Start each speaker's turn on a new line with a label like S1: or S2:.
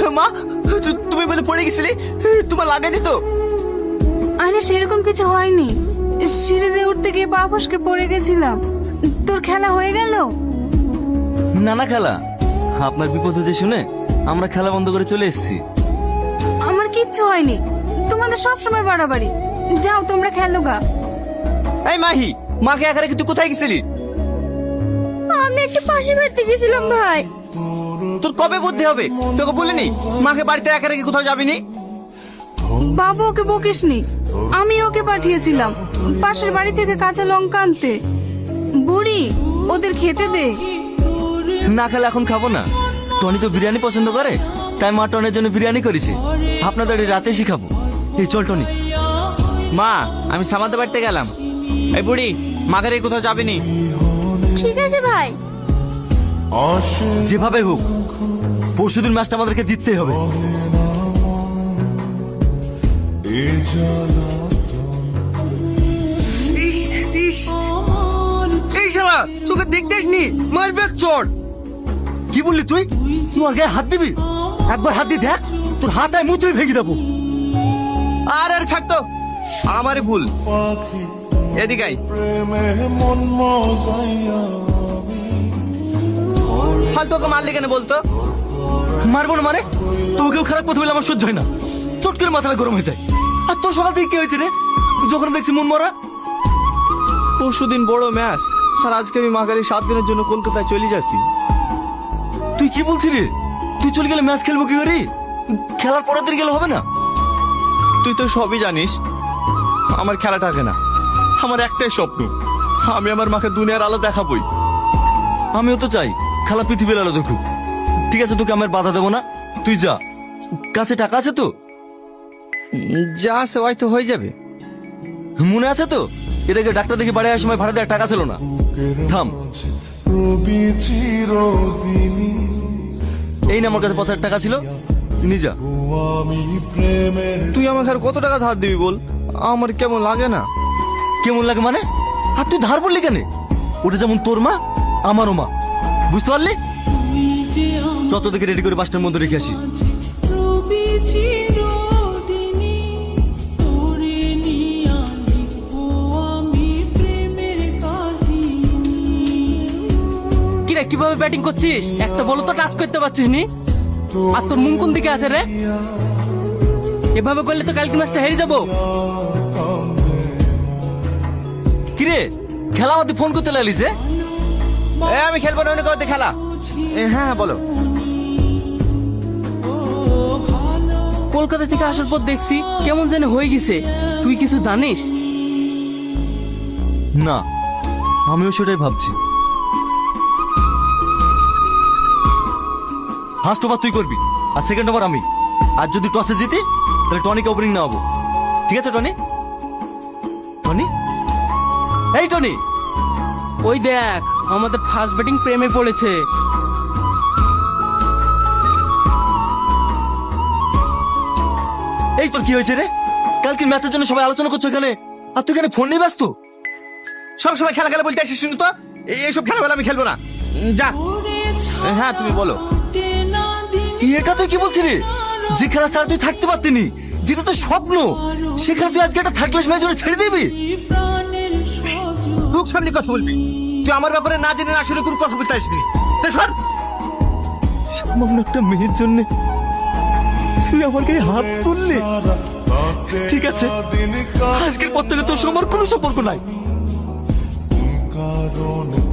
S1: মা, তুমি বলে পড়ে গেছিলে, তোমার লাগেনি তো?
S2: আরে সেরকম কিছু হয়নি, সিঁড়ি দিয়ে উঠতে গিয়ে পা ফসকে পড়ে গেছিলাম। তোর খেলা হয়ে গেল?
S1: না না খেলা, আপনার বিপদ হয়েছে শুনে আমরা খেলা বন্ধ করে চলে এসেছি।
S2: আমার কিচ্ছু হয়নি, তোমাদের সব সময় বাড়াবাড়ি। যাও তোমরা খেলো গা।
S1: এই মাহি, মাকে একা রেখে তুই কোথায় গেছিলি?
S2: আমি একটু পাশে বাড়তে গেছিলাম ভাই।
S1: তোর কবে বুদ্ধি হবে? তোকে বলিনি মাকে বাড়িতে একা রেখে কোথাও যাবিনি?
S2: বাবু ওকে বকিসনি, আমি ওকে পাঠিয়েছিলাম পাশের বাড়ি থেকে কাঁচা লঙ্কা আনতে। বুড়ি, ওদের খেতে দে।
S1: না খেলে এখন খাবো না। টনি তো বিরিয়ানি পছন্দ করে, তাই মা টনের জন্য বিরিয়ানি করেছে। আপনাদের রাতে শিখাবো। এই চল টনি। মা, আমি সামাদের বাড়িতে গেলাম। এই বুড়ি, মাকে রেখে কোথাও যাবিনি।
S2: ঠিক আছে ভাই।
S1: যেভাবে হোক পরশুদিন ম্যাচটা আমাদেরকে জিততেই হবে।
S3: এই শালা তোকে দেখতে আসনি, মারবে চোর।
S1: কি বললি তুই? তোমার গায়ে হাত দিবি? একবার হাত দিয়ে দেখ, তোর হাত আয় মুচড়ে ভেঙে দেবো। আর আর ছাড় তো, আমারই ভুল। এদিকে আয়। ফালতু ওকে মারলি কেন বলতো? মারবো না মানে? তোকেও খারাপ কথা বলে আমার সহ্য হয় না। চট করে মাথাটা গরম হয়ে যায়। আর তোর সকাল থেকে কি হয়েছে রে? যখন দেখছি মন মরা। পরশুদিন বড় ম্যাচ, আর আজকে আমি মাগালি 7 দিনের জন্য কলকাতায় চলে যাচ্ছি। তুই কি বলছিস রে? তুই চলে গেলে ম্যাচ খেলবো কি করে? খেলার পরের দিন গেলে হবে না? তুই তো সবই জানিস, আমার খেলা থাকে না। আমার একটাই স্বপ্ন, আমি আমার মাকে দুনিয়ার আলো দেখাবই। আমিও তো চাই খেলা পৃথিবীর আলো দেখুক। ঠিক আছে, তোকে আমার বাধা দেবো না, তুই যা। কাছে টাকা আছে তো? যা আছে হয়তো হয়ে যাবে। মনে আছে তো এটাকে ডাক্তার দেখে বাড়ি আসার সময় ভাড়া দেওয়ার টাকা ছিল না? থাম। এই না আমার কাছে 5,000 টাকা ছিল, নিয়ে যা। তুই আমাকে আর কত টাকা ধার দিবি বল? আমার কেমন লাগে না। কেমন লাগে মানে? আর তুই ধার বললি কেন? ওটা যেমন তোর মা, আমারও মা, বুঝতে পারলি? যত দেখে রেডি করে 5টার মধ্যে রেখে আসি।
S4: কিরে কিভাবে ব্যাটিং করছিস? একটা বল তো টাচ করতে পারছিস নি। আর তোর মুখ কোন দিকে আছে রে? এভাবে করলে তো কালকে ম্যাচটা হেরে যাবো।
S1: কিরে খেলা আমাদের ফোন করতে লাগলি যে? আমি খেলবো না, অনেক খেলা। হ্যাঁ বলো।
S4: কলকাতা থেকে আসার পর দেখছি কেমন যেন হয়ে গেছে। তুই কিছু জানিস?
S1: না, আমিও সেটাই ভাবছি। ফার্স্ট ওভার তুই করবি আর সেকেন্ড ওভার আমি। আর যদি টসে জিতি তাহলে টনিকে ওপেনিং নেওয়াবো। ঠিক আছে টনি? টনি, এই টনি।
S4: ওই দেখ আমাদের ফার্স্ট ব্যাটিং প্রেমে পড়েছে।
S1: এই তোর কি হয়েছে রে? কালকে ম্যাচের জন্য সবাই আলোচনা করছো এখানে, আর তুই এখানে ফোন নিয়ে ব্যস্ত। সব সময় খেলা খেলা বলতে আসিস শুনি তো। এইসব খেলাবেলা আমি খেলবো না, যা। হ্যাঁ তুমি বলো। এটা তুই কি বলছিস রে? যে খেলা ছাড়া তুই থাকতে পারতিনি, যেটা তোর স্বপ্ন, সেখানে তুই আজকে একটা থার্ড ক্লাস ম্যাচ ছেড়ে দিবি? লোক সামনে কথা বলবি? তুই আমার ব্যাপারে না জেনে না শুনে কোনো কথা বলতে আসবি? সামান্য একটা মেয়ের জন্য তুই আমার গায়ে হাত তুললি। ঠিক আছে, আজকের পর থেকে তোর সঙ্গে আমার কোনো সম্পর্ক নাই।